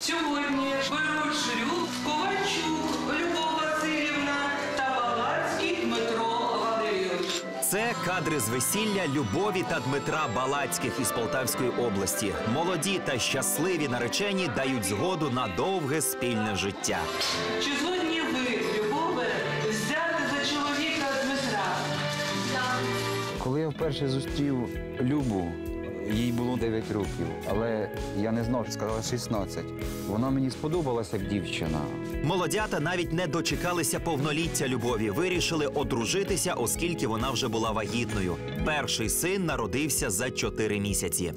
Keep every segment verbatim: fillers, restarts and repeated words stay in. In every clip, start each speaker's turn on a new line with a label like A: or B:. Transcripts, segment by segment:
A: Сьогодні беруть шлюб Ковальчук Любов Васильівна та Балацький Дмитро Валерійович.
B: Це кадри з весілля Любові та Дмитра Балацьких із Полтавської області. Молоді та щасливі наречені дають згоду на довге спільне життя.
A: Чи згодні ви, Любове, взяти за чоловіка Дмитра?
C: Так.
D: Коли я вперше зустрів Любу, їй було дев'ять років, але я не знав, що сказала шістнадцять. Вона мені сподобалася як дівчина.
B: Молодята навіть не дочекалися повноліття Любові. Вирішили одружитися, оскільки вона вже була вагітною. Перший син народився за чотири місяці.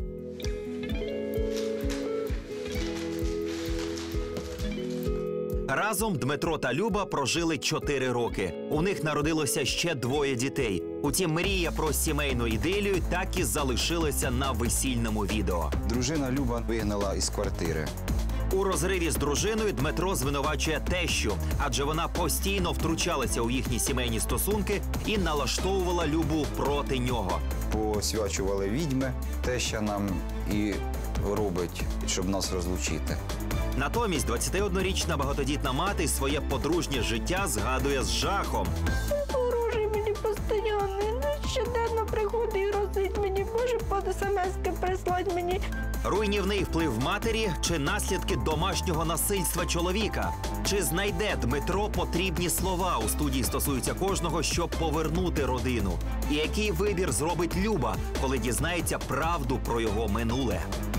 B: Разом Дмитро та Люба прожили чотири роки. У них народилося ще двоє дітей. Утім, мрія про сімейну ідилію так і залишилася на весільному відео.
D: Дружина Люба вигнала із квартири.
B: У розриві з дружиною Дмитро звинувачує тещу, адже вона постійно втручалася у їхні сімейні стосунки і налаштовувала Любу проти нього.
D: Посвячували відьми, теща нам і робить, щоб нас розлучити.
B: Натомість двадцятиоднорічна багатодітна мати своє подружнє життя згадує з жахом.
C: Ворожий мені постійно, щоденно приходить і розить мені, може по смс-ки прислать мені.
B: Руйнівний вплив матері чи наслідки домашнього насильства чоловіка? Чи знайде Дмитро потрібні слова? У студії стосуються кожного, щоб повернути родину. І який вибір зробить Люба, коли дізнається правду про його минуле?